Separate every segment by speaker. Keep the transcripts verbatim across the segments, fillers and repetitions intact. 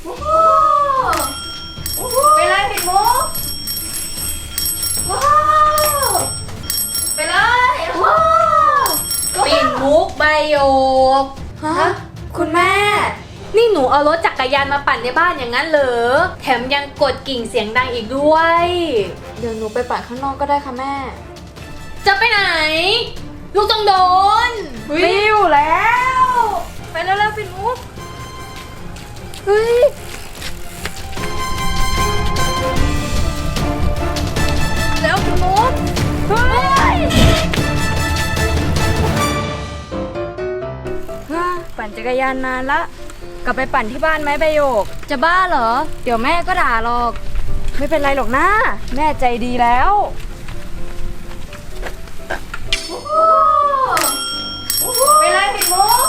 Speaker 1: โอ้โหไปเลยปิดมุกว้าวไปเลยว้าวปิดมุกใบโยกฮะคุณแม่นี่หนูเอารถจักรยานมาปั่นในบ้านอย่างนั้นเหรอแถมยังกดกิ่งเสียงดังอีกด้วยเดี๋ยวหนูไปปั่นข้างนอกก็ได้ค่ะแม่จะไปไหนลูกต้องโดนวิวแล้วไปแล้วแล้วปิดมุกเฮ้ยแล้วปิดมุกเฮ้ยปั่นจักรยานนานละกลับไปปั่นที่บ้านไหมใบโยกจะบ้าเหรอเดี๋ยวแม่ก็ด่าหรอกไม่เป็นไรหรอกนะแม่ใจดีแล้วไปเลยปิดมุก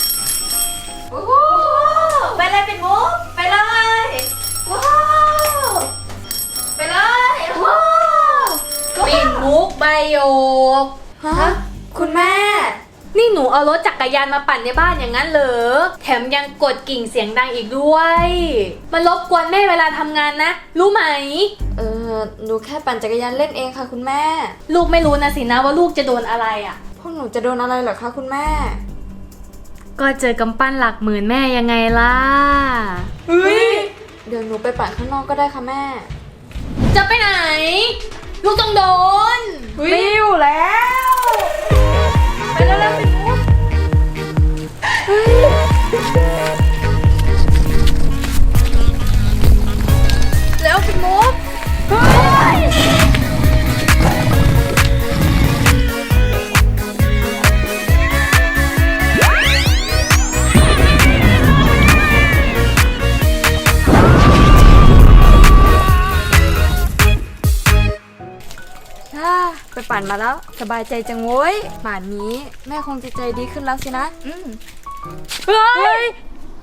Speaker 1: ไปเลยปิดมุกไปเลยว้าวไปเลยว้าวปิดมุกใบโยกฮะคุณแม่นี่หนูเอารถจักรยานมาปั่นในบ้านอย่างนั้นเหรอแถมยังกดกิ่งเสียงดังอีกด้วยมันรบกวนแม่เวลาทำงานนะรู้ไหมเออหนูแค่ปั่นจักรยานเล่นเองค่ะคุณแม่ลูกไม่รู้นะสินะว่าลูกจะโดนอะไรอ่ะพวกหนูจะโดนอะไรเหรอคะคุณแม่ก็เจอกำปั้นหลักหมื่นแม่ยังไงล่ะเฮ้ยเดี๋ยวหนูไปปั่นข้างนอกก็ได้ค่ะแม่จะไปไหนลูกต้องโดนวิวแล้วไปแล้วแล้วปิดมุกเฮ้ยแล้วปิดมุกเฮ้ยไปปั่นมาแล้วสบายใจจังโว้ยป่านนี้แม่คงจะใจดีขึ้นแล้วสินะอืมเฮ้ย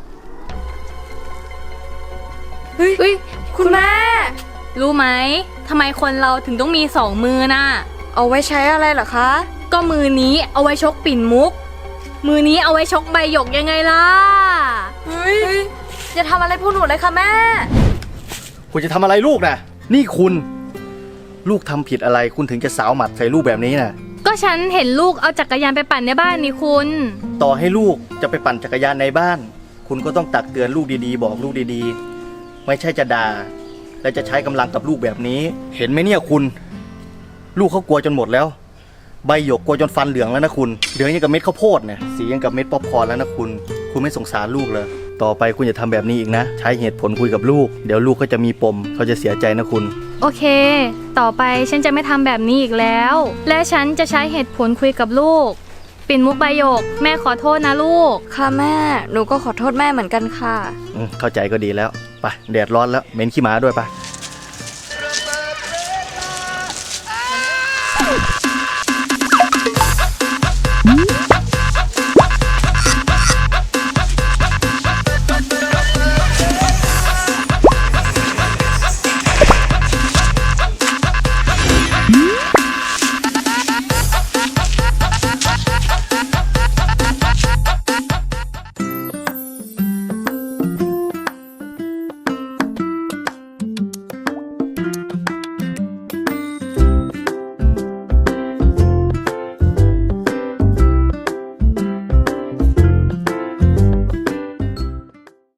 Speaker 1: เฮ้ยเฮ้ยคุณแม่รู้ไหมทำไมคนเราถึงต้องมีสองมือน่ะเอาไว้ใช้อะไรเหรอคะก็มือนี้เอาไว้ชกปิ่นมุกมือนี้เอาไว้ชกใบหยกยังไงล่ะเฮ้ยจะทำอะไรพวกหนูเลยคะแม่
Speaker 2: คุณจะทำอะไรลูกนะนี่คุณลูกทำผิดอะไรคุณถึงจะสาวหมัดใส่ลูกแบบนี้น่ะ
Speaker 1: ก็ฉันเห็นลูกเอาจักรยานไปปั่นในบ้านนี่คุณ
Speaker 2: ต่อให้ลูกจะไปปั่นจักรยานในบ้านคุณก็ต้องตักเตือนลูกดีๆบอกลูกดีๆไม่ใช่จะด่าและจะใช้กำลังกับลูกแบบนี้เห็นไหมเนี่ยคุณลูกเขากลัวจนหมดแล้วใบหยกกลัวจนฟันเหลืองแล้วนะคุณเหลืองยังกับเม็ดข้าวโพดเนี่ยสียังกับเม็ดป๊อปคอร์นแล้วนะคุณคุณไม่สงสารลูกเลยต่อไปคุณอย่าทำแบบนี้อีกนะใช้เหตุผลคุยกับลูกเดี๋ยวลูกก็จะมีปมเขาจะเสียใจนะคุณ
Speaker 1: โอเคต่อไปฉันจะไม่ทำแบบนี้อีกแล้วและฉันจะใช้เหตุผลคุยกับลูกปิ่นมุกใบหยกแม่ขอโทษนะลูกค่ะแม่หนูก็ขอโทษแม่เหมือนกันค่ะ
Speaker 2: อืมเข้าใจก็ดีแล้วไปแดดร้อนแล้วเหม็นขี้หมาด้วยไป